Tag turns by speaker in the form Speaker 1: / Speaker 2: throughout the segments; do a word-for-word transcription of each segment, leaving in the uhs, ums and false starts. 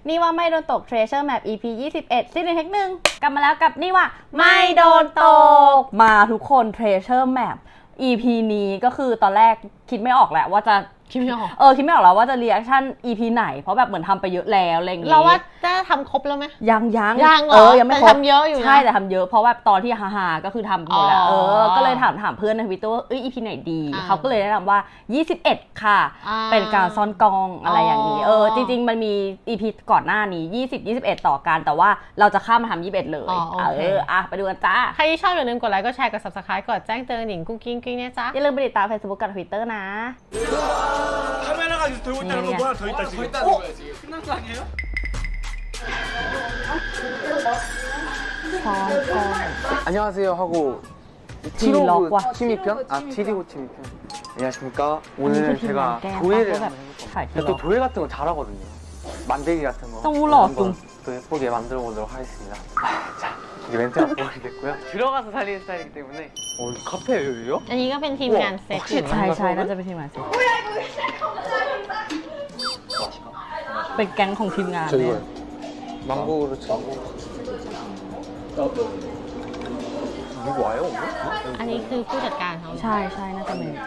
Speaker 1: นี่ว่าไม่โดนตก Treasure Map อี พี ยี่สิบเอ็ดซีซั่นเทคหนึ่งกลับมาแล้วกับนี่ว่าไม่โดนตกมาทุกคน Treasure Map อี พี นี้ก็คือตอนแรกคิดไม่ออกแหละว่าจะ
Speaker 2: คิดไม่ออก
Speaker 1: เออคิดไม่ออกแล้วว่าจะรีแอคชั่น อี พี ไหนเพราะแบบเหมือนทำไปเยอะแล้วอะไรอย่างงี้
Speaker 2: เราว่าจะทำครบแล้วไหม
Speaker 1: ยังยัง
Speaker 2: ยังเหรอ
Speaker 1: เออยังไม่ครบ
Speaker 2: แต่ทำเยอะอยู่นะ
Speaker 1: ใช่แต่ทำเยอะเพราะว่าตอนที่ฮาฮาก็คือทำหมดแล้วเออก็เลยถามถามเพื่อนในทวิตเตอร์ว่าเอ้ย อี พี ไหนดีเขาก็เลยแนะนำว่ายี่สิบเอ็ดค่ะเป็นการซ่อนกองอะไรอย่างนี้เออจริงๆมันมี อี พี ก่อนหน้านี้ยี่สิบ ยี่สิบเอ็ดต่อกันแต่ว่าเราจะข้ามมาทำยี่สิบเอ็ดเลยเอออ่ะไปดูกันจ้า
Speaker 2: ใครที่ชอบอย่าลืมกดไลค์กดแชร์กด ซับสไครบ์ กดแจ้งเตือนหนิงกุ้งกิ้งกิ้งเนี่ยจ้า
Speaker 1: อย่าลืมไปติดตาม Facebook กับ Twitter นะ
Speaker 2: อันนี้ก็เป็นทีมงานเซต
Speaker 1: ใช่ใช่น่าจะเป็นทีมงานเซตเป็นแก๊งของทีมงานเลย
Speaker 2: อันนี้คือผู้จัดการเขา
Speaker 1: ใช่ใช่น่าจะเป็น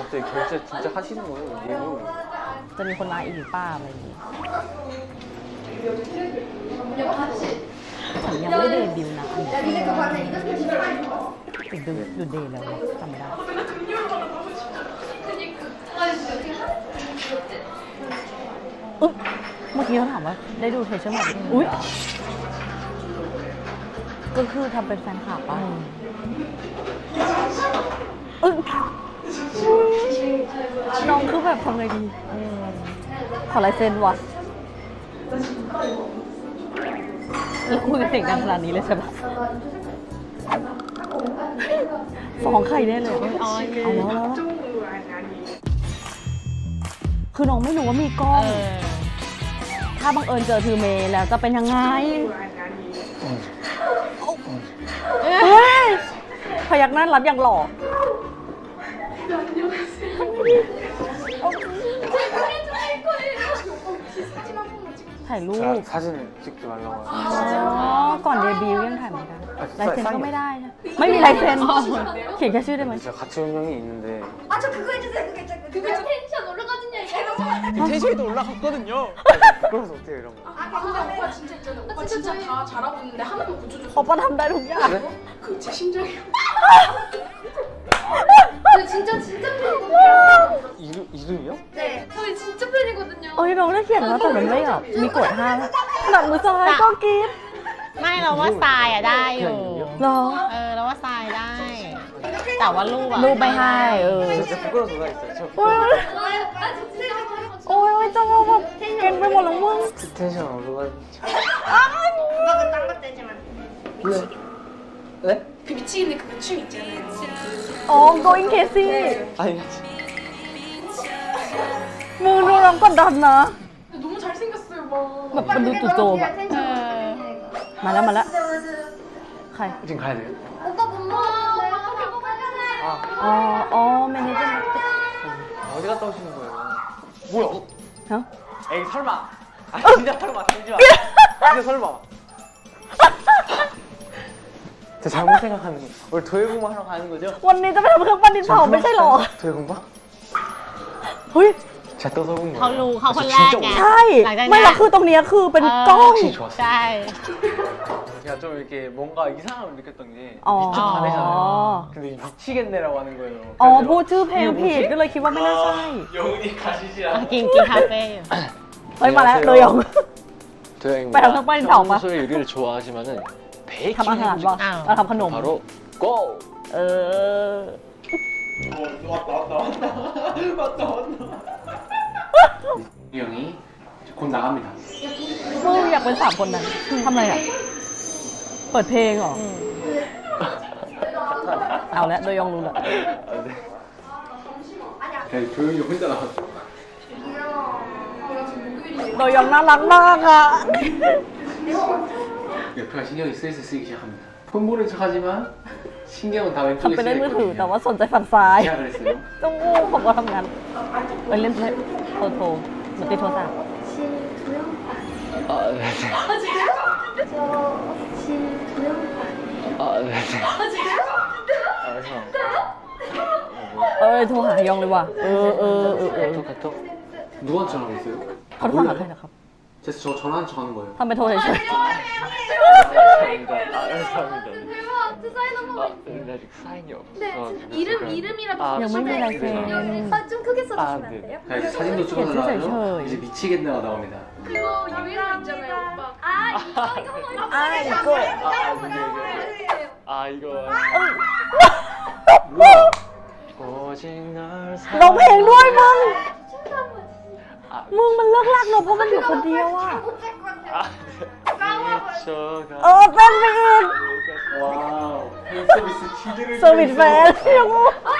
Speaker 1: จะมีคนมาอีกหรือเปล่าอะไรอย่างนี้ฉันยังไม่เดบิวต์นะถึงดูดูเดย์แล้วจำไม่ได้อุ๊บเมื่อกี้เขาถามว่าได้ดูเทเชอร์ไหมอุ๊ยก็คือทำเป็นแฟนคลับป่ะอึ้งน้องคือแบบทำไงดีขอลายเซ็นวะแล้วคุยกันเสียงดังขนาดนี้เลยใช่ปะฟ้องใครได้เลยเอาแล้วแล้วคือน้องไม่รู้ว่ามีกล้องถ้าบังเอิญเจอทือเมย์แล้วจะเป็นยังไงพยักหน้ารับอย่างหล่อถ่ายรูปอ๋อก่อนเดบิวต์ยังถ่ายไม่ได้ลายเซ็นก็ไม่ได้นะไม่มีลายเซ็นเขียนแค่ชื่อได้ไหมเขาประทำได้ทุกอย่างโอ้ยน้องได้เขียนแล้วแต่มันไม่แบบมีกดห้ามหนักมือซ้ายก็กรี๊ด
Speaker 2: ไม่เราว่าทรายอะได้อยู่
Speaker 1: หรอ
Speaker 2: เออเราว่าทรายได้แต่ว่ารูปอะ
Speaker 1: รูปไม่ให้เออโอ้ยโอ้ยจังแบบเก่งไปหมดแล้วมึงอ๋อ going crazy มึงดูน้องกดดันนะแบบมันดูจู่โจมอะมาแล้วมาแล้วใครจริงใครเลยอ๋ออ๋อแมเนเจอร์어디 갔다 오시는 거예요? 뭐야? 어? 에이 설마 아 진짜 설마 진짜 진짜 설마 저 잘못 생각하는 거 우리 도예공부 하러 가는 거죠? วันนี้จะไปทำเครื่องปั้นดินเผาไม่ใช่หรอ 도예공부? เฮ้ย
Speaker 2: เขารู้เขาคนแรกไง
Speaker 1: ใช่ไม่ละคือตรงนี้คือเป็นกล้อง
Speaker 2: ใช่
Speaker 3: 제가 좀 이렇게 뭔가 이상함을 느꼈던 게 미쳐 가네잖아요. 근데 미치겠네라고 하는 거예요.
Speaker 1: อ๋อพูดชื่อเพลงผิดก็เลยคิดว่าไม่น่าใช่
Speaker 3: 영훈이 가시지 않아.
Speaker 2: กินกินคาเฟ่อยู่
Speaker 1: เฮ้ยมาแล้วเลยองไปทำเครื่องปั้นดินเผาปะ
Speaker 3: 평소에 요리를 좋아하지만은 베이킹
Speaker 1: ทำอาหารปะเราทำขนม
Speaker 3: 바로 고!
Speaker 1: เออ
Speaker 3: 왔다 왔다 왔다 왔다 왔다 이 형이 곧 나갑니다.
Speaker 1: มึงอยากเป็นสามคนนั้นทำอะไรอ่ะเปิดเพลงเหรอเอาแล้วโดยองรู้แล้ว
Speaker 3: 조용히 혼자 나왔어.
Speaker 1: โดยองน่ารักมากอ่ะ
Speaker 3: 옆에가 신경이 슬슬 쓰이기 시작합니다. 폰 보는 척하지만 신경은 다 왼쪽에
Speaker 1: ทำเป็นเล่นมือถือแต่
Speaker 3: 쓰였거든요.
Speaker 1: ว่าสนใจฝั่งซ้าย
Speaker 3: 제가 그랬어요.
Speaker 1: ต้องงูผมก็ทำงานไปเล่นโทรโทรเหมือนติดโทรศัพท์
Speaker 3: 아, 네. 아, 네. 아, 형.
Speaker 1: เออโทรหายองเลยว่ะเออเออเออเออ
Speaker 3: 카톡, 카톡.
Speaker 4: 누구한테 전화하고 있어요?
Speaker 1: เขาโทรหาใครนะครับ
Speaker 4: 제가 저 전화한 척 하는 거예요.
Speaker 1: ทำไปโทรเฉย
Speaker 3: 감사합니다. 아, 감사합니다.
Speaker 5: 대박! 저 사인 한
Speaker 3: 아,
Speaker 5: 번만
Speaker 3: 근데 아직 사인이 없어.
Speaker 5: 네, 이름, 이름이라도
Speaker 3: 아,
Speaker 1: 영문
Speaker 5: 써주세요.
Speaker 1: 라이센.
Speaker 5: 아, 좀 크게 써주시면
Speaker 3: 아,
Speaker 5: 안
Speaker 3: 네.
Speaker 5: 돼요?
Speaker 4: 자, 이제 사진도 찍어달라
Speaker 1: 괜찮아요.
Speaker 4: 하면 이제 미치겠네가 나옵니다.
Speaker 5: 그거 유행어 있잖아요, 오빠. 아, 이거, 이거 한번
Speaker 1: 아, 이거.
Speaker 3: 아, 이거. 오직 널
Speaker 1: ๆร้องเพลงด้วยมึง
Speaker 5: 춤도 한번
Speaker 3: 아,
Speaker 1: มึงมันเลิกลากเนอะเพราะมันอยู่คนเดียวอ่ะ
Speaker 3: 아, 미쳐가.
Speaker 1: เออเต้นไปอีก
Speaker 4: 와우. 팬서비스 퀴즈를
Speaker 1: เซอร์วิสแฟนยังงู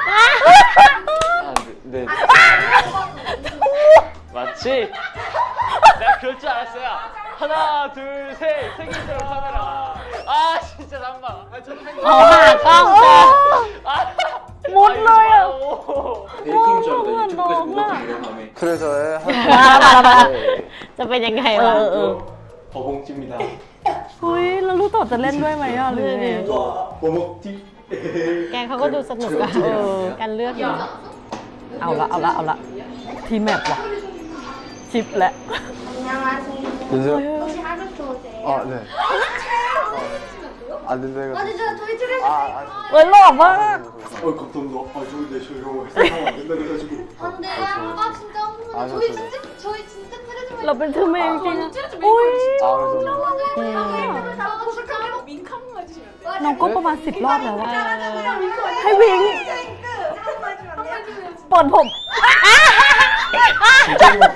Speaker 3: 아, 네. 네. 맞지? 내가 그럴 줄 알았어요. 하나, 둘, 셋. 생일처럼 카메라. 아, 진짜 잠깐만. 아, 저
Speaker 2: เอาหากล้องเจอ
Speaker 3: 아,
Speaker 1: มุดเลยอ่ะ
Speaker 4: 베이킹 줄 알고 유튜브까지 묻었던 이런 다음에
Speaker 3: 그래서
Speaker 1: มาแล้วมาแล้วมาแล้ว
Speaker 2: จะเป็นยังไง
Speaker 1: เอ
Speaker 2: วะ
Speaker 1: อเออ
Speaker 4: 버봉집니다.
Speaker 1: เฮ้ยแล้วรู้ต่อจะเล่นด้วยไหมอ่ะหรือไง
Speaker 4: 와, 버먹집.
Speaker 2: แกเขาก็ดูสนุกอะ
Speaker 4: เออ
Speaker 2: การเลือกอยู่
Speaker 1: เอาละเอาละเอาละทีแมปว่ะชิปแล้ว
Speaker 5: 안녕하세요. 혹시 하루토 오세요?
Speaker 3: 아, 네. 안 된다고.
Speaker 5: 아니, 저 저희 집에서
Speaker 3: 아, 아,
Speaker 1: เฮ้ยหล่อมาก
Speaker 4: 어, 감사합니다. 아, 저기 내 저 이런 거 해서 안 된다 그래가지고.
Speaker 5: 안 돼요. 아, 진짜 한 번만.
Speaker 3: 아,
Speaker 5: 저희
Speaker 3: 저-
Speaker 5: 진짜, 저희 진짜 트레저
Speaker 1: เราเป็นทูเมงจริงๆอุ้ย
Speaker 3: 아, 그래서.
Speaker 5: 아,
Speaker 1: น้องก็ประมาณสิบรอบแล้วอะให้วิงเปิดผม
Speaker 4: 진짜 이거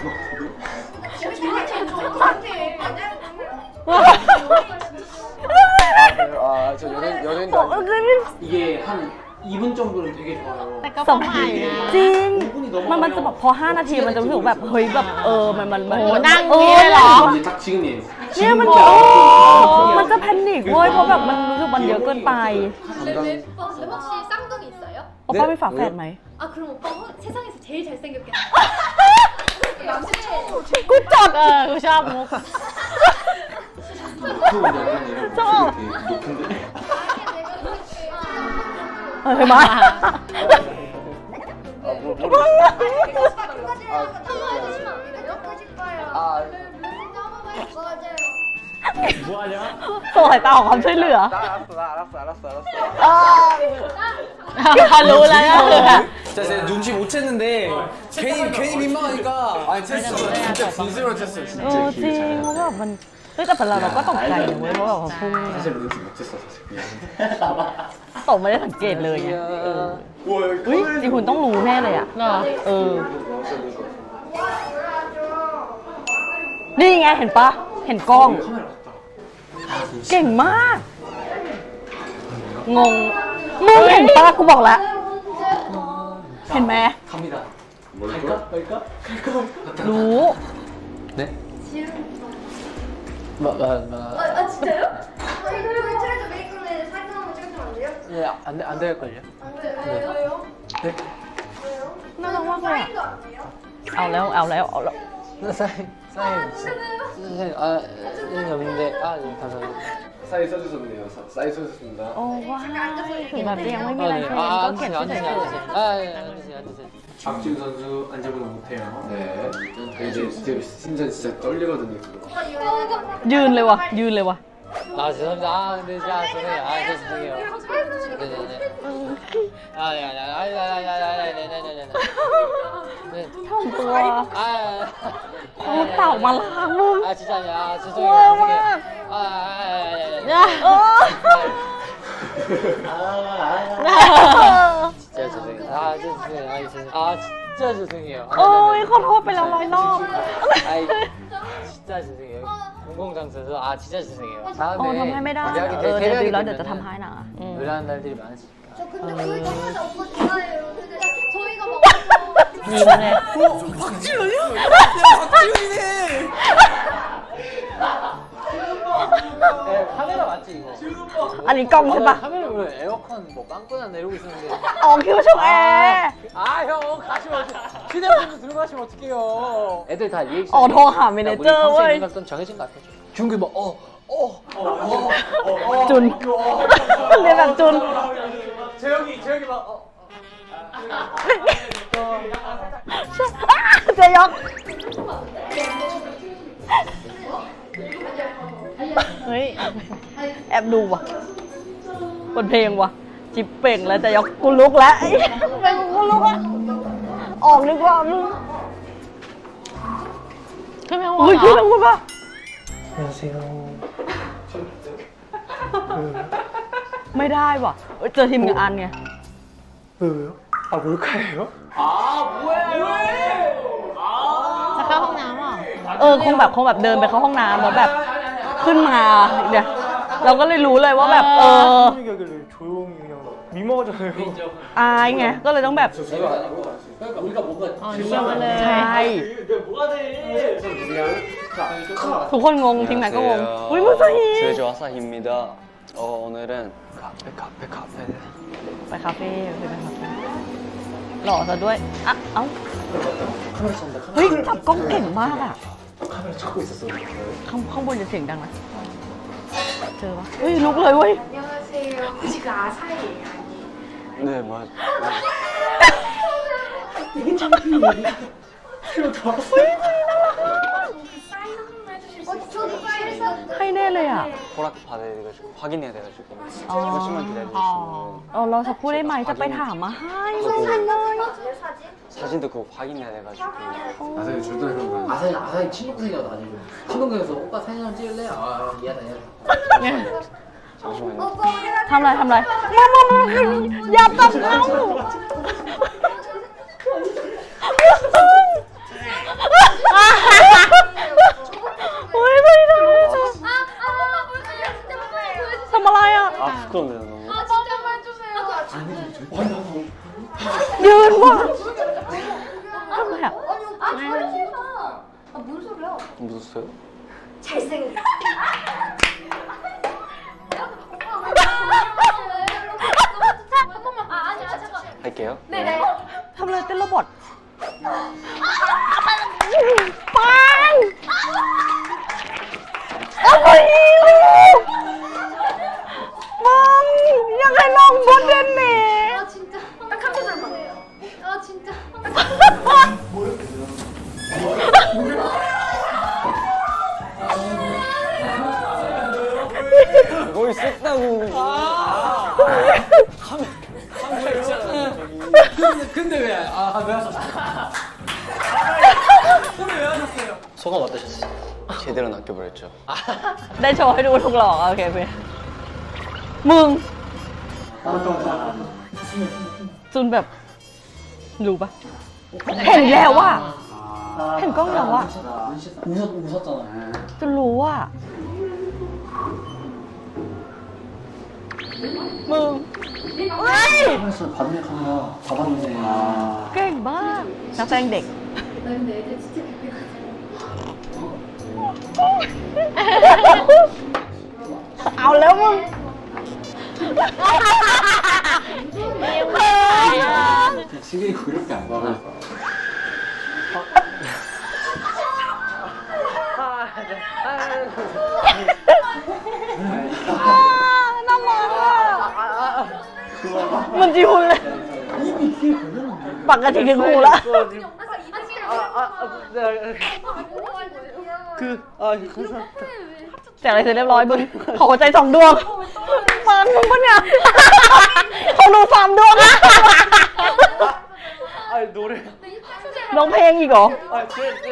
Speaker 3: 아, 저 연예인, 연예인도
Speaker 1: ผม
Speaker 3: 아니고.
Speaker 4: 이게 한 이 분 정도는 되게 좋아요.
Speaker 2: แต่ก็
Speaker 1: ส
Speaker 2: ป
Speaker 1: อ
Speaker 2: ระ
Speaker 1: ง
Speaker 2: มาณนะ
Speaker 1: จริง มันมันจะแบบพอห้านาทีมันจะรู้สึกแบบเฮ้ยแบบเออมันมันมัน
Speaker 2: โอ้โหนั่ง
Speaker 1: เอ
Speaker 2: นี่
Speaker 1: อ
Speaker 2: เลยเหรอ
Speaker 4: 이제 딱 지금이에요.
Speaker 1: เนี่ยมัน
Speaker 4: 지금부터
Speaker 1: โอ้มันจะแพนิคเว้ยเพราะแบบมันรู้สึกมันเยอะเกินไป
Speaker 5: 오빠 혹시 쌍둥이 있어요?
Speaker 1: โอป้ามีฝาแฝดไหม
Speaker 5: 아, 그럼 오빠 호, 세상에서 제일 잘생겼겠네. 남친
Speaker 1: กูจด
Speaker 2: เออกูชอบมุก
Speaker 4: 그 약간 이런
Speaker 1: 저-
Speaker 4: 목소리 되게 높은데.
Speaker 1: เฮ้ยมา
Speaker 3: 아, 뭐, 모르겠어. 아, 뭐하냐?
Speaker 1: ส่งสายตาของความช่วยเหลือ
Speaker 3: 나 알았어, 나 알았어, 알았어, 알았어.
Speaker 2: พอรู้แล้วก็คือแบบ
Speaker 6: 자, 제가 눈치 못 챘는데 괜히 괜히 민망하니까 아니 테스트 진짜 진심으로 테스트
Speaker 1: เออจริงเพราะว่ามันเฮ้ยแต่เป็นเราเราก็ตกใจนะเว้ยเพราะแบบว่าพุ่ง
Speaker 4: 사실 눈치 못 챘어 사실 미안.
Speaker 1: ตกไม่ได้สังเกตเลยไงเออ
Speaker 4: 와,
Speaker 1: อุ้ยจีหุ่นต้องรู้แน่เลยอ่ะ
Speaker 2: เหรอ
Speaker 1: เออ นี่ไงเห็นปะเห็นกล้อง
Speaker 4: 카메라 같다.
Speaker 1: เก่งมาก งง มึงเห็นปะกูบอกแล้ว เห็นไหม
Speaker 4: 갑니다. 갈까? 갈까? 갈까? 갔다.
Speaker 1: รู้
Speaker 3: 네? 마, 마, 마.
Speaker 5: 아, 아 진짜요? 저희 저희 트레저 메이크업에 사진 한번 찍으시면 안 돼요?
Speaker 3: 예, 안, 돼- 안 될걸요?
Speaker 5: 안 돼요. 왜요?
Speaker 3: 네?
Speaker 5: 왜요?
Speaker 1: น่ารักมากเลยอะ
Speaker 5: 사인도 안 돼요?
Speaker 1: เอาแล้วเอาแล้วเอาแล้ว
Speaker 3: 사인, 사인.
Speaker 5: 괜찮아요?
Speaker 3: 사인, 아, 사인이 없는데. 아, 네, 감사합니다.
Speaker 4: 사인 써주셨네요. 사- 사인 써주셨습니다.
Speaker 1: โอ้ว้ายถึงแบบยังไม่มี
Speaker 3: 아,
Speaker 1: ลาย
Speaker 3: 네.
Speaker 1: เซ็น
Speaker 3: 아,
Speaker 1: ก็
Speaker 3: 앉으세요,
Speaker 1: เขียน
Speaker 3: 앉으세요,
Speaker 1: เฉย
Speaker 3: 앉으세요. 아, 예, 앉으세요, 앉으세요.
Speaker 4: 박지훈 선수 앉아보다 못해요. 네. 이제 진짜 심장 진짜 떨리거든요. 지금.
Speaker 1: ๆยืนเลยว่ะ ยืนเลยว่ะ
Speaker 3: 아, 죄송합니다. 아, 근데 진짜 죄송해요. 아, 진짜 죄송해요. 네네네. 아, 네, 아, 네, 아, 네, 아, 네, 아, 네, 네, 네, 네, 네. 네.
Speaker 1: ทำตัว
Speaker 3: 아,
Speaker 1: โอ้เต่ามาล้างมึง
Speaker 3: 아, 진짜 아니야. 아, 죄송해요. 죄송해요. 아, 아, 아, 아, 아, 아,
Speaker 1: เออ
Speaker 3: 진짜 죄송해요. 아, 진짜 죄송해요. 아, 죄송해요. 아, 진짜 죄송해요. 아,
Speaker 1: โอ้ย
Speaker 3: 네, 네,
Speaker 1: ขอโทษไปแล้วร้อยรอบ
Speaker 3: 네. 아이, 진짜 죄송해요. 공공장소에서 아, 진짜 죄송해요.
Speaker 1: โอ้
Speaker 3: 다음에
Speaker 1: ทำให้ไม่ได้
Speaker 3: 대학이
Speaker 1: เออเดี๋ยว
Speaker 3: 대학이
Speaker 1: ดูแล้วเดี๋ยวจะ
Speaker 3: 되면은
Speaker 1: ทำให้นะอืม
Speaker 3: 의뢰하는 날들이 많으시니까.
Speaker 5: 저 근데 그 전까지 오빠 좋아해요. 근데 저희가 먹어서
Speaker 1: ยิ้มเลย
Speaker 6: 박지훈이요? 야 박지훈이네.
Speaker 3: 네, 카메라 맞지 이거?
Speaker 1: อันนี้กล้องใช่ปะ
Speaker 3: 아, 카메라 왜 에어컨 뭐 빵꾸나 내리고 있었는데.
Speaker 1: อ๋อคิดว่าช่องแอร์
Speaker 3: 아, 형 가시 마세요.
Speaker 6: 휴대폰도 들어가시면 어떡해요.
Speaker 3: 애들 다 리액션.
Speaker 1: อ๋อโทรหาเมเนเจอร์เว้ย
Speaker 3: 컨셉 정해진 것 같아. 준규 뭐 어, 어, 어, 어.
Speaker 1: จุนเรียนแบบจุน
Speaker 6: 재영이 재영이 막 어.
Speaker 1: เจะยอกเฮ้ย แอบดูว่ะบนเพลงว่ะ จิบเป่งแล้วเจะยอกกูลุกแล้วไอ้ทำไมกูลุกอ่ะ ออกดีกว่ามึง
Speaker 2: ขึ้นไปข้างบน
Speaker 1: อุ้ย
Speaker 2: เหร
Speaker 1: พี่
Speaker 2: อ
Speaker 1: ต้องพูดป่ะ
Speaker 6: 안녕하세요.
Speaker 1: ไม่ได้ว่ะเอ้ยเจอทีมงานไง
Speaker 6: 왜요? 아 몰카예요?
Speaker 2: จะเข้าห้องน้ำเหรอ
Speaker 1: เออคงแบบคงแบบเดินไปเข้าห้องน้ำแล้วแบบขึ้นมาเนี่ยเราก็เลยรู้เลยว่าแบบเออ
Speaker 6: 분위기길래 조용히 그냥 미모잖아요.
Speaker 1: อายไงก็เลยต้องแบบ
Speaker 3: 그러니까 우리가 뭔가
Speaker 2: อ๋อเยี่ยมมาเลย
Speaker 1: ใช่ ทุกคนงงทีมงานก็งงอุ้ยมุสฮี
Speaker 7: 제주 아사히입니다. 어, 오늘은 카페 카페 카페
Speaker 1: ไปคาเฟ่ไปคาเฟ่หล่อซะด้วยอ่ะเอ้าเฮ้ยจับกล้องเก่งมากอ่ะ
Speaker 4: 카메라 찾고 있었어.
Speaker 1: ข้างข้างบนจะเสียงดังนะเจอปะเฮ้ยลุกเลยเว้ย
Speaker 5: 안녕하세요. 지금 아사히예요.
Speaker 7: 네 맞.
Speaker 5: 사인 한 번만 해주실 수 있어요? 저도 사인
Speaker 1: ให้แน่เลยอ่ะ
Speaker 7: 허락 받아야 돼가지고 확인해야 돼가지고
Speaker 1: 아.
Speaker 7: 잠시만 기다려주시면
Speaker 1: เออเราสักครู่ได้ไหมจะไปถามมาให้
Speaker 7: 하고
Speaker 5: 사진 사진?
Speaker 7: 사진도 그거 확인해야 돼가지고
Speaker 4: 아사히 줄도 그런 거.
Speaker 3: 아사히 아사히 친동생이라도 아니고 친동생에서 오빠 사진 한 번 찍을래? 아 미안해 미안해.
Speaker 7: 잠시만요.
Speaker 5: 오빠 우리가
Speaker 1: ทำอะไรทำอะไรมามามาอย่าตัดเขาอุ้ยไม่ได้
Speaker 5: 아, 아, 엄마 보여주세요. 진짜 엄마 보여주세요.
Speaker 1: ทำอะไรอ่ะ
Speaker 7: 아 부끄럽네요 너무.
Speaker 5: 아, 진짜만 해주세요.
Speaker 1: ยืนว่ะทำไมอ่ะ
Speaker 5: 아니, 오빠 저러지 마. 아, 뭔 소리야?
Speaker 7: 묻었어요?
Speaker 5: 잘생겼어. 한 번만. 아, 아니야, 잠깐.
Speaker 7: 할게요.
Speaker 5: 네네.
Speaker 1: ทำอะไรเต้นโรบอทปังโอ้ยมึงยังไงน้องบดเด่นนี่
Speaker 5: 아, 진짜. 딱 한 소절만. 아, 진짜.
Speaker 7: 뭐 있었다고.
Speaker 6: 근데 근데 왜? 아왜 하셨어요? 근데 왜 하셨어요?
Speaker 7: 소감 어떠셨어요? 제대로 낚여버렸죠.
Speaker 1: ได้โชว์ให้ดูทุกหลอกโอเคเพื่อนมึงจนแบบรู้ปะเห็นแล้วว่ะเห็นกล้องแล้วว่ะ
Speaker 3: 웃었 웃었잖아.
Speaker 1: จนรู้ว่ามึงเฮ้ย
Speaker 3: 카메라 받네 카메라 받았네. 아.
Speaker 1: เก่งมากนักแสดงเด็ก
Speaker 5: 나 근데 애들 진짜 기대가
Speaker 1: เอาแล้วมึง
Speaker 4: 신경이 그렇게 안 가고.
Speaker 1: น้ำมันอ่ะมันจีหุ่นเลยปกติคือหูละ
Speaker 6: 그 아 감사합니다.
Speaker 1: แจกอะไรเสร็จเรียบร้อยมึงขอหัวใจสองดวงมันมึงปะเนี่ยของหนูสามดวง
Speaker 6: 아 노래.
Speaker 1: ร้องเพลงอีกเหรอ
Speaker 6: 아제제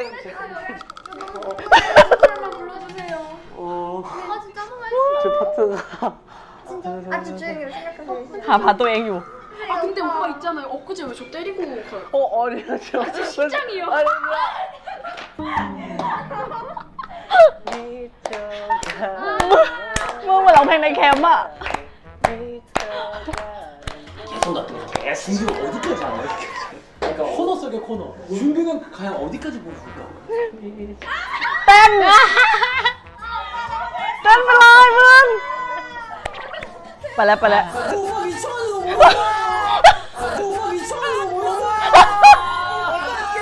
Speaker 5: 노래만 불러주세요.
Speaker 6: 어.
Speaker 5: 아, 진짜 한 번만
Speaker 6: 제 파트가
Speaker 5: 아, 집중해요. 생각하세요.
Speaker 1: หาพาตัวเองอยู่
Speaker 8: 아 근데 오빠 있잖아요. 엊그제 왜 저 때리고 가요?
Speaker 6: 어 아니요 저
Speaker 8: 아, 진짜 심장이요.
Speaker 6: 아니
Speaker 1: มึงเหมือนร้องเพลงในแคมป์อะ
Speaker 3: 계속 놔둬. 계속.
Speaker 6: 준규 어디까지 안 해? 그러니까 코너 속의 코너. 준규는 과연 어디까지 보여줄까?
Speaker 1: เต้นเต้นไปเลยมึงไปแล้วไปแล้ว
Speaker 6: 고막 이상하게 뭐야? 고막 이상하게 뭐야?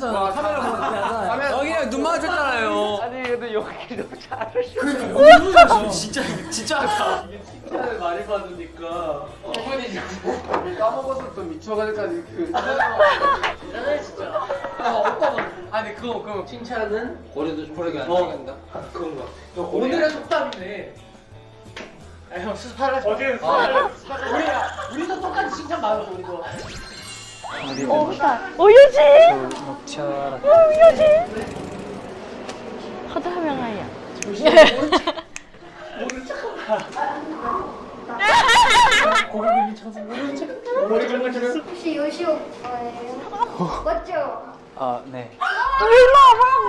Speaker 6: 마주쳤잖아. 카메라 보고 하잖아. 여기랑 눈 마주쳤잖아요.
Speaker 7: 아니 근데 여기 너무 잘하시네.
Speaker 6: 너무 잘하시네. 진짜 진짜 하다.
Speaker 4: 칭찬을 많이 받으니까 어머니 까먹어서 또 미쳐가지까지 그 대단해 진짜. 아 오빠가 아니 그거 그거 칭찬은 고려도 고려가 안 된다. 그건 거. 오늘의 속담이네. 아형 수사를 어제 수사를 우리야 우리도 똑같이 칭찬 받았어 우리도.
Speaker 1: โอ้ตายโอ้ยยูจิโอ้ยยูจิเขาจะทำยังไงอ่ะ
Speaker 4: 고객님이 쳐서 모르는 척 머리 그런 거 쳐서
Speaker 5: 혹시 요시 오빠예요? 맞죠?
Speaker 7: 아 네.
Speaker 1: เฮ้ยหล่อมาก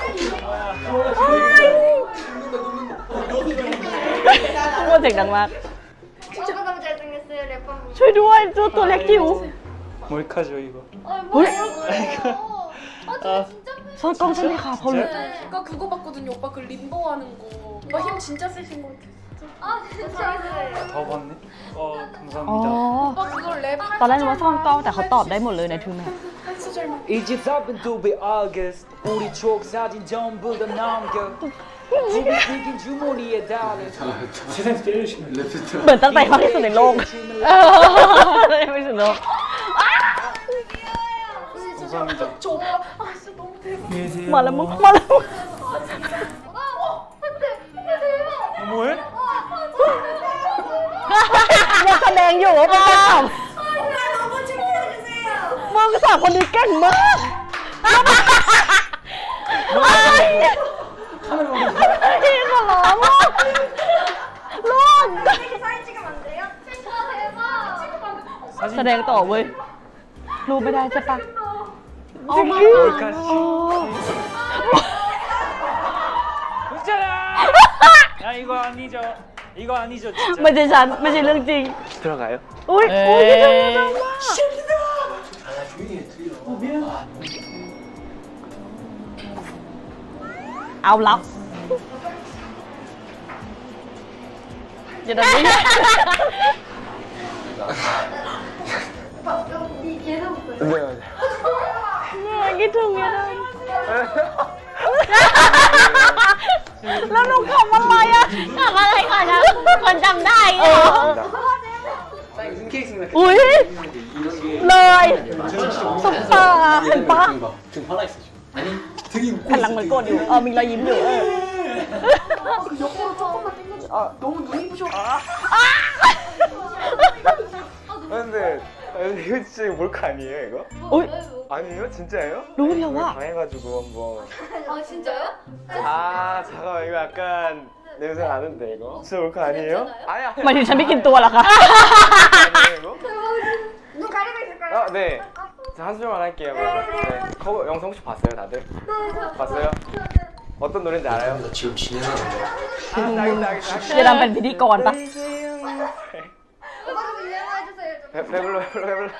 Speaker 1: ทุกคนเสียงดังมาก
Speaker 5: 오빠 너무 잘생겼어요 래퍼.
Speaker 1: ช่วยด้วยตัวตัวเล็กจิ๋ว
Speaker 7: 몰카죠 이거.
Speaker 5: 아 뭐야? 아 저 진짜
Speaker 1: ซ่อนกล้องใช่ไหมคะเขารู้
Speaker 8: 아까 그거 봤거든요. 오빠 그 림보 하는 거. 오빠 힘 진짜 세신 것 같아.
Speaker 5: 아 진짜.
Speaker 7: 더 봤네. 어
Speaker 1: อ๋อ
Speaker 7: 감사합니다.
Speaker 8: 오빠 그걸 랩
Speaker 1: ตอนแรกนึกว่าซ่อนกล้องแต่เขาตอบได้หมดเลยในทูแมป
Speaker 8: 한 소절만.
Speaker 9: 이제 답은 두배 아게스 우리 추억 사진 전부 다 남겨 우리 튀긴 주머니에 달래
Speaker 4: 세상에서 제일 신나 랩세트
Speaker 1: เหมือนตั้งใจมากที่สุดในโลกเออไม่สุดโลก
Speaker 7: 감사합니다.
Speaker 8: 저 오빠 아 진짜 너무 대박.
Speaker 1: มาแล้วมึงมาแล้วมึง
Speaker 7: 뭐해?
Speaker 1: ยังแสดงอยู่ว่าเป็นการ
Speaker 5: 너무 칭찬해주세요.
Speaker 1: มึงสาวคนนี้เก่งมากไอ้ที่ขอร้องมากลูก
Speaker 5: 이렇게 사진 찍으면 안 돼요? 아 대박.
Speaker 1: แสดงต่อเว้ยรู้ไม่ได้ใช่ปะ
Speaker 7: 몰카 씨. 웃잖아. 야 이거 아니죠. 이거 아니죠
Speaker 1: ไม่
Speaker 7: 진짜.
Speaker 1: ใช่ฉันไม่ใช่เรื่องจริง
Speaker 7: 들어가요?
Speaker 1: อุ้ยอุ้ยที่ทำมาทำมาเอาลับอย่าดันนี้
Speaker 5: 이 계속
Speaker 7: 네 맞아요.
Speaker 1: คิดถึงเมียเดิมแล้วหนูขำอะไรอ่ะขำอะไรก่อนนะคนจำได้เหรอ
Speaker 4: 무슨 케이스인가
Speaker 1: อุ้ยเลยซุปตาเห็นปะ
Speaker 4: 등 화나 있어 지금 아니 등이
Speaker 1: แผ่นหลังเหมือนโกรธอยู่เออมีรอยยิ้มอยู่เออ
Speaker 8: 옆으로 조금만 당겨줘. 아 너무 눈이 부셔.
Speaker 7: 근데 아니, 이거 진짜 몰카 아니에요 이거?
Speaker 1: อุ้ย
Speaker 7: 아니에요? 진짜예요?
Speaker 1: รู้เดียวว่า
Speaker 7: 당해가지고 한번.
Speaker 5: 아 진짜요?
Speaker 7: 아 잠깐만 이거 약간 냄새 나는데 이거? 진짜 몰카 아니에요? 아니 아니.
Speaker 1: หมายถึงฉันไม่กินตัวเหรอคะ
Speaker 7: 아니에요 이거?
Speaker 5: 눈 가리고 있을까요?
Speaker 7: 아 네. 자, 한 소절만 할게요. 그러면. 네. 커버 영상 혹시 봤어요 다들? 봤어요? 어떤 노래인지 알아요?
Speaker 4: 나 지금 진행하는 거야
Speaker 7: 아, 알겠다 알겠다.
Speaker 1: จะดำเป็นพิธีกรปะ
Speaker 5: 오빠 좀 유행해주세요 좀.
Speaker 7: 배, 배불러 배불러 배불러.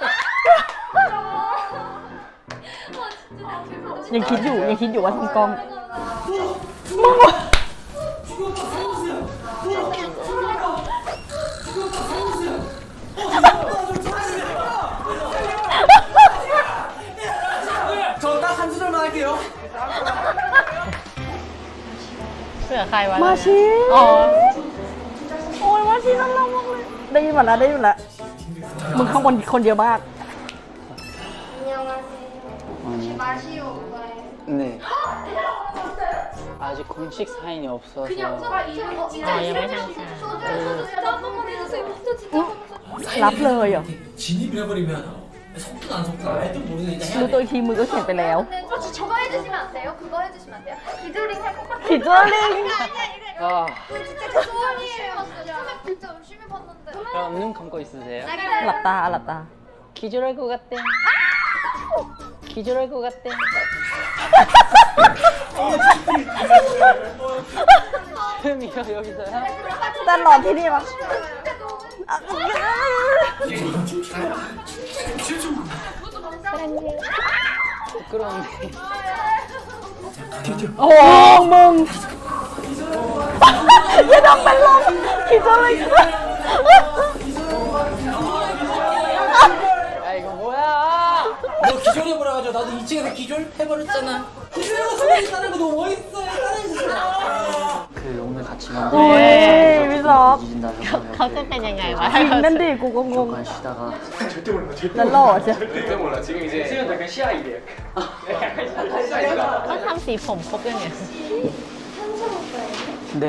Speaker 5: 아 진짜 대박.
Speaker 1: ยังคิดอยู่ยังคิดอยู่ว่าทำกล้อง
Speaker 6: 저 딱 한 소절만 할게요.
Speaker 2: เสือใครวะ
Speaker 1: มาชิ
Speaker 2: อ๋อ
Speaker 1: โอ้ยมาชิน่ารักมากเลยได้ยินหมดแล้วได้ยินหมดแล้วมึงข้างบนคนเดียวมาก
Speaker 5: 안녕하세요. 혹시 마시오 오빠예요?
Speaker 7: 네.
Speaker 5: 진짜요?
Speaker 7: 아직 공식 사인이 없어서.
Speaker 5: 그냥 오빠 이름 어, 진짜
Speaker 2: 아,
Speaker 5: 이름
Speaker 2: 이름이
Speaker 5: 좀
Speaker 2: 상상.
Speaker 5: 소주 소주 진짜 한 번만 해주세요. 저 진짜 너무
Speaker 1: รับเลยเหรอ
Speaker 6: 진입을 해버리면 속도가 안 속도가 알도 모르니까
Speaker 1: รู้ตัวอีกทีมือก็เขียนไปแล้ว
Speaker 5: 근데 저 저거 해주시면 안 돼요? 그거 해주시면 안 돼요? 기조링 할 것 같아요.
Speaker 1: ผิดเรื่องลิง
Speaker 5: 아니야 아니야 이거
Speaker 7: 아.
Speaker 5: 이거 진짜 제 소원이에요. 진짜 진짜 열심히 봤는데.
Speaker 7: 그럼 눈 감고 있으세요?
Speaker 1: หลับตาหลับตา
Speaker 2: 기절할 것 같대. 기절할 것 같대.
Speaker 7: 흠이요 여기서요?
Speaker 1: แต่หลอนที่นี่ปะ
Speaker 7: 부끄러운데.
Speaker 1: โอ้มึงอย่าดำเป็นลมคิดอะไร
Speaker 7: 야 이거 뭐야?
Speaker 6: 너 기, 기절해버려가지고 나도 이 층에서 기절해버렸잖아. 기절하고 소리 있다는 거 너무 멋있어요. 따라해주세요.
Speaker 3: 그 오늘 같이
Speaker 1: โอ้ยพี่ซอฟ
Speaker 2: เขาจะเป็นยังไงวะ
Speaker 1: จริงนั่นดิกูก็งง
Speaker 3: 잠깐 쉬다가
Speaker 1: แล้วหล่อใช่
Speaker 7: 절대 몰라. 지금 이제 수현 약간 시아이래.
Speaker 2: เขาทำสีผมครบยังไง
Speaker 3: 네.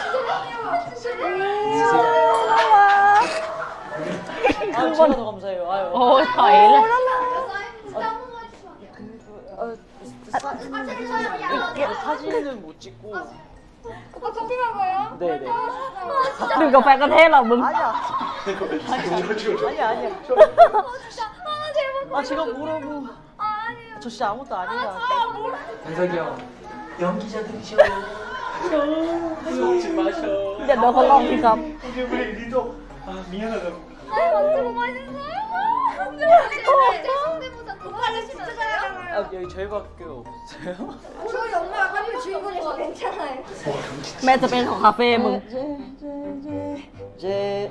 Speaker 1: 아,
Speaker 3: 제가 더 감사해요. 아유.
Speaker 2: โอ้ยถอยเลย
Speaker 3: 사진은 못 찍고.
Speaker 5: 오빠 커피 먹어요?
Speaker 3: 네네.
Speaker 1: ดื่มกาแฟก็เท่หรอมึง
Speaker 3: 아니야 아니야. 저,
Speaker 5: 아 제발
Speaker 3: 아 제가 뭐라고.
Speaker 5: 아 아니에요
Speaker 3: 저 진짜 아무것도 아니에요.
Speaker 5: 아 뭐라
Speaker 3: 현석이 형. 연기자들이셔. 먹지 마셔.
Speaker 1: เดี๋ยวโดนเขาลองพี่ครับ
Speaker 5: 아니 만두가 맛있어요 성대모사 오빠가 진짜 잘하잖아요
Speaker 3: 아 여기 저희밖에 없어요?
Speaker 5: 저희 엄마가 카페 주인공이라서 괜찮아요
Speaker 1: แม่จะเป็นของคาเฟ่มึง
Speaker 3: 제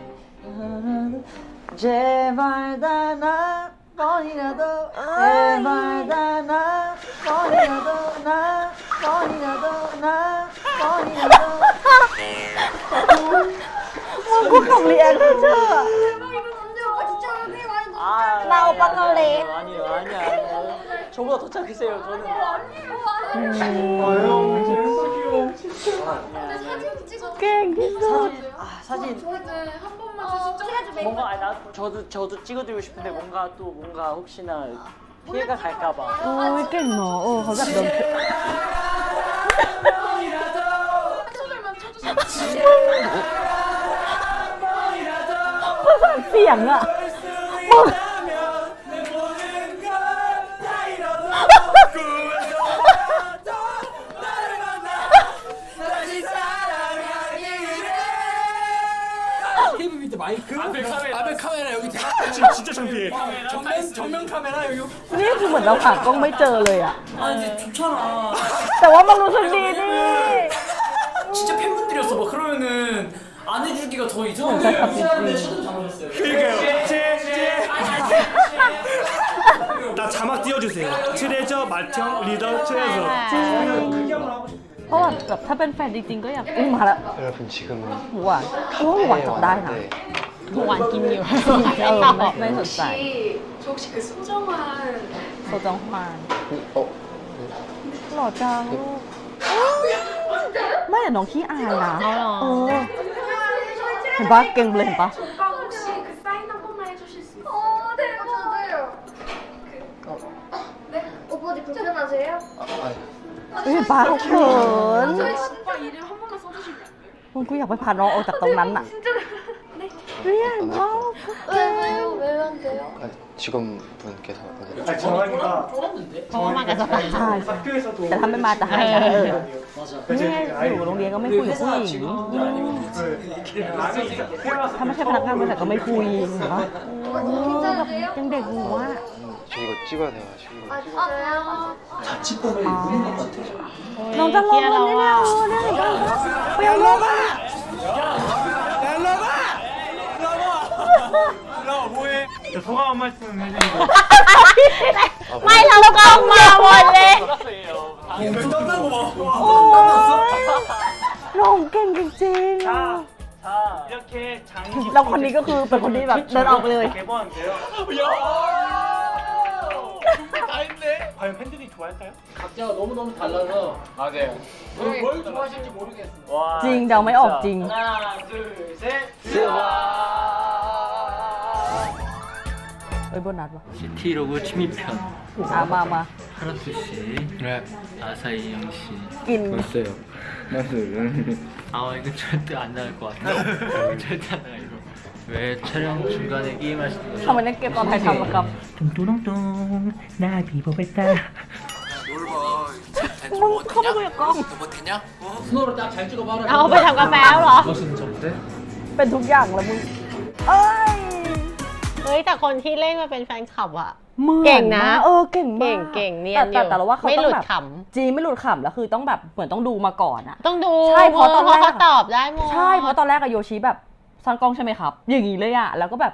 Speaker 3: 제발 다나 번이라도 제발 다나 번이라도 나 번이라도 나 번이라도
Speaker 1: มึงกูขับเรียนเชื่อ
Speaker 5: 대박 이거 언제 오빠 진짜 언니 많이 너무
Speaker 3: 아,
Speaker 1: 나 오빠 갈래.
Speaker 3: 아니요 아니야 아니야. 저보다 더 착하세요 저는.
Speaker 5: 아니에요
Speaker 3: 아유
Speaker 5: 근데 사진 찍어
Speaker 1: เก่งที่สุด
Speaker 3: 아 사진
Speaker 8: 저한테 한 번만
Speaker 5: 어,
Speaker 8: 진짜
Speaker 5: 그래도 메이크업
Speaker 3: 뭔가 아, 나 저도 저도 찍어드리고 싶은데 뭔가 또 뭔가 혹시나 피해가 갈까봐.
Speaker 1: โอ้ยเก่งเนาะโอ้เขาแบบโดน
Speaker 8: 소절만 쳐주세요.
Speaker 1: ประสานเสียงอ่ะมึง
Speaker 6: 테이블 밑에 마이크. 앞에 카메라. 앞에 카메라 여기.
Speaker 7: 지금 진짜 창피해.
Speaker 6: 정면 정면 카메라 여기.
Speaker 1: นี่คือเหมือนเราหากล้องไม่เจอเลยอ่ะ
Speaker 6: 아 이제 좋잖아.
Speaker 1: แต่ว่ามันรู้สึกดีดิ
Speaker 6: 진짜 팬분들이었어. 막 그러면은 안 해주기가 더 이상한데.
Speaker 1: 진짜 깜짝이야.
Speaker 6: 잘못했어요.
Speaker 7: 그러니까요. 나 자막 띄워주세요. 트레저 마청 리더 트레저. 그게 한번 하고 싶어요.
Speaker 1: เพราะว่าแบบถ้าเป็นแฟนจริงๆก็อยากอุ้มมาแล้ว
Speaker 3: 여러분 지금
Speaker 1: หวานโอ้หวานจับได้นะ
Speaker 2: หวานกินอยู่
Speaker 1: เอ
Speaker 2: ไม่
Speaker 1: อ
Speaker 2: ตอบ
Speaker 1: ไม่ไม่สนใจ
Speaker 8: 저 혹시 그 소정환
Speaker 1: โซจองฮวาน
Speaker 3: 어
Speaker 1: หล่อจังลูกไม่แต่น้องขี้อายนะ
Speaker 2: เอาเหรอ
Speaker 1: เออเห็นปะเก่งเลยเห็นปะ
Speaker 8: 오빠 혹시 그 사인 한 번만 해주실 수 있어요?
Speaker 5: 어 대박 저도요 네? 오빠 어디 불편하세요?
Speaker 3: 아니
Speaker 1: เฮ้ยเห็นปะเขาเขิน
Speaker 8: 저희 오빠 이름 한 번만 써주시면 안 돼요?
Speaker 1: มึงกูอยากไปพาน้องออกจากตรงนั้นน่ะ
Speaker 5: 진짜 네
Speaker 1: เรียนน้อง
Speaker 5: 왜요? 왜요 안 돼요?
Speaker 3: 아니, 직원분께서
Speaker 7: 아니 정환이가
Speaker 2: เพราะว่ามากับสตาร์
Speaker 1: ใช่ใช่
Speaker 7: 학교에서도
Speaker 1: แต่ถ้าไม่มาจะให้นะเออ
Speaker 3: 맞아.
Speaker 1: เนี่ยอยู่โรงเรียนก็ไม่คุยกับผู้หญิง ถ้าไม่ใช่พนักงานบริษัทก็ไม่คุยเหรอ
Speaker 5: 오빠 너무 괜찮으세요?
Speaker 1: ยังเด็กอยู่ว่ะ
Speaker 3: 저 이거 찍어야 돼가지고.
Speaker 5: 아 진짜요?
Speaker 1: น้องจะลงวันนี้แล้วเนี่ยเปรี้ยวลงอ่ะ
Speaker 7: 소감 한 말씀 해주시고.
Speaker 2: ไม่เราก็เอามาหมดเลย
Speaker 7: 땀나고 막.
Speaker 1: โอ้ยน้องเก่งจริงๆ
Speaker 7: 자, 자 이렇게 장기.
Speaker 1: แล้วคนนี้ก็คือเป็นคนที่แบบเดินออกไปเลย
Speaker 7: 개봉한데요. 과연 팬들이 좋아할까요?
Speaker 4: 각자가 너무너무 달라서
Speaker 7: 맞아요.
Speaker 4: 뭘, 뭘 좋아하실지 모르겠어요.
Speaker 7: 와.
Speaker 1: จริงเดาไม่ออกจริง
Speaker 7: 하나, 둘, 셋.
Speaker 1: เอ้ยโบนัสวะ
Speaker 10: 시티로그 침입편
Speaker 1: อ่ะมามา
Speaker 10: 하라투 씨, 아사히 영 씨.
Speaker 1: กิน
Speaker 10: 왔어요. 맞아요. 아 이거 절대 안 나갈 것 같아요. 절대 안 나가 이거. 왜 촬영 중간에 게임하시는
Speaker 1: ทำไม
Speaker 10: 거죠?
Speaker 1: เล่นเกมตอนถ่ายทำล่ะครับ
Speaker 10: 뚱뚱뚱 나 비버베따.
Speaker 1: มึงเข้าไปคุยกับกล้อง
Speaker 4: 스노우를 딱 잘 찍어봐라.
Speaker 2: เอาไปทำกาแฟแล้วเหรอ
Speaker 4: 멋있는 정대?
Speaker 1: เป็นทุกอย่างแล้วมึง เอ้ย
Speaker 2: เฮ้ยแต่คนที่เล่นมาเป็นแฟนคลับอะ
Speaker 1: หมือ
Speaker 2: เก่งนะ
Speaker 1: มากเออเก่งมาก
Speaker 2: เก่งเก่งเนียน
Speaker 1: แต่
Speaker 2: อยู่
Speaker 1: แต่แต่เราว่าเขา
Speaker 2: ไม่
Speaker 1: ต้
Speaker 2: หลุ
Speaker 1: อง
Speaker 2: ด
Speaker 1: แบบ
Speaker 2: ข
Speaker 1: จริงไม่หลุดขำแล้วคือต้องแบบเหมือนต้องดูมาก่อนอะ
Speaker 2: ำต้องดู
Speaker 1: ใช่เพราะตอนแรก
Speaker 2: เขาตอบได้หมด
Speaker 1: ใช่เพราะตอนแรกอะโยชิแบบซ่อนกล้องใช่ไหมครับ อย่างนี้เลยอะแล้วก็แบบ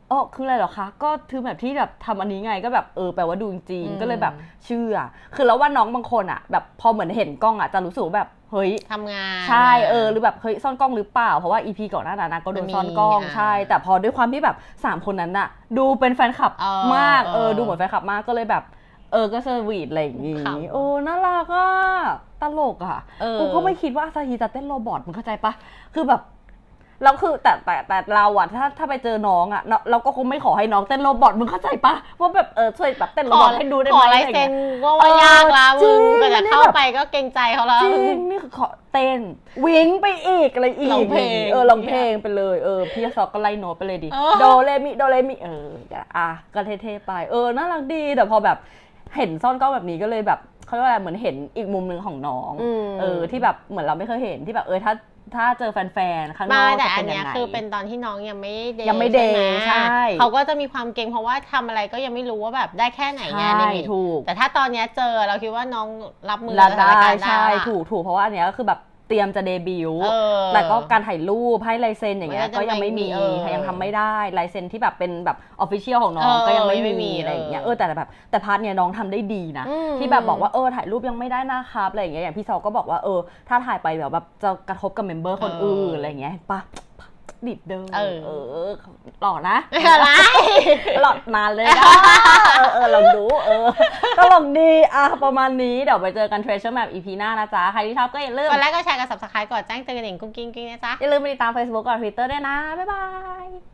Speaker 1: อ๋อคืออะไรเหรอคะก็คือแบบที่แบบทำอันนี้ไงก็แบบเออแปลว่าดูจริงๆก็เลยแบบเชื่อคือแล้วว่าน้องบางคนอ่ะแบบพอเหมือนเห็นกล้องอ่ะจะรู้สึกแบบเฮ้ย
Speaker 2: ทำงาน
Speaker 1: ใช่เออหรือแบบเฮ้ยซ่อนกล้องหรือเปล่าเพราะว่า อี พี ก่อนหน้านั้นนะก็โดนซ่อนกล้องใช่แต่พอด้วยความที่แบบสามคนนั้นน่ะดูเป็นแฟนคลับมากเออดูเหมือนแฟนคลับมากก็เลยแบบเออก็เซอร์วีทอะไรอย่างงี้โอ้น่ารักอ่ะตลกอ่ะกูก็ไม่คิดว่าอาซาฮีจะเต้นโรบอทมึงเข้าใจปะคือแบบแล้วคือแต่แต่แต่เราอะถ้าถ้าไปเจอน้องอะเราก็คงไม่ขอให้น้องเต้นโรบอทมึงเข้าใจปะว่าแบบเออช่วยแบบเต้นโรบอทให้ดูได้ไหม
Speaker 2: ขอลายเซ็นก็ว่ายากละมึงก็จะเข้าไปก็เกรงใจเขาแล้ว
Speaker 1: จริงนี่คือขอเต้นวิ้งไปอีกอะไรอีก
Speaker 2: ร้องเพลง
Speaker 1: เออร้องเพลงไปเลยเออพี่ซอกก็ไล่โน้ตไปเลยดิโดเรมิโดเรมิเอออ่ะก็เท่ๆไปเออน่ารักดีแต่พอแบบเห็นซ่อนกล้องแบบนี้ก็เลยแบบเขาเรียกว่าอะไรเหมือนเห็นอีกมุมนึงของน้องเออที่แบบเหมือนเราไม่เคยเห็นที่แบบเออถ้าถ้าเจอแฟนๆข้างนอกจะเป็นยังไงแต่อันเนี้ย
Speaker 2: คือเป็นตอนที่น้องยังไม่เดย์
Speaker 1: ยังไม่เดย์ใช่
Speaker 2: เขาก็จะมีความเก่งเพราะว่าทำอะไรก็ยังไม่รู้ว่าแบบได้แค่ไหนไง
Speaker 1: ใช่
Speaker 2: ในมิต
Speaker 1: ถูก
Speaker 2: แต่ถ้าตอนเนี้ยเจอเราคิดว่าน้องรับมือ
Speaker 1: รับ
Speaker 2: สถาน
Speaker 1: ได้
Speaker 2: การณ์ได้
Speaker 1: ใช่
Speaker 2: ละ
Speaker 1: ถูกถูกเพราะว่าอันเนี้ยก็คือแบบเตรียมจะเดบิวต์
Speaker 2: เออ
Speaker 1: แต่ก็การถ่ายรูปให้ลายเซ็นอย่างเงี้ย
Speaker 2: มันก็
Speaker 1: ก็
Speaker 2: จะ
Speaker 1: ยังไม่มี
Speaker 2: ไม่มีเออ
Speaker 1: ยังทำไม่ได้ลายเซ็นที่แบบเป็นแบบออฟฟิเชียลของน้อง
Speaker 2: เออ
Speaker 1: ก็ยังไม่
Speaker 2: ไม่มี
Speaker 1: มีอะไรอย่างเงี้ย
Speaker 2: เอ
Speaker 1: เอ
Speaker 2: อ
Speaker 1: อแต่แบบแต่พาร์ทเนี้ยน้องทำได้ดีนะ
Speaker 2: อืม
Speaker 1: ที่แบบบอกว่าเออถ่ายรูปยังไม่ได้นะครับอะไรอย่างเงี้ยอย่างพี่ซอก็บอกว่าเออถ้าถ่ายไปเดี๋ยวแบบจะกระทบกับเมมเบอร์คนอื่นอะไรอย่างเงี้ยเห็นปะดิดเดิม
Speaker 2: เออ
Speaker 1: เออหล่อนะ
Speaker 2: อะไร
Speaker 1: หลอดนานเลยนะเออเออลองดูเออก็ลองดีอ่ะประมาณนี้เดี๋ยวไปเจอกัน Treasure Map อี พี หน้านะจ๊ะใครที่ชอบก็อย่าลืม
Speaker 2: กดไลค์ก็แชร์กับ Subscribe กดแจ้งเตือนกระดิ่งกุ้งกิ้งกิ้งนะจ๊ะ
Speaker 1: อย่าลืมไปติดตาม Facebook กับ Twitter ด้วยนะ บ๊ายบาย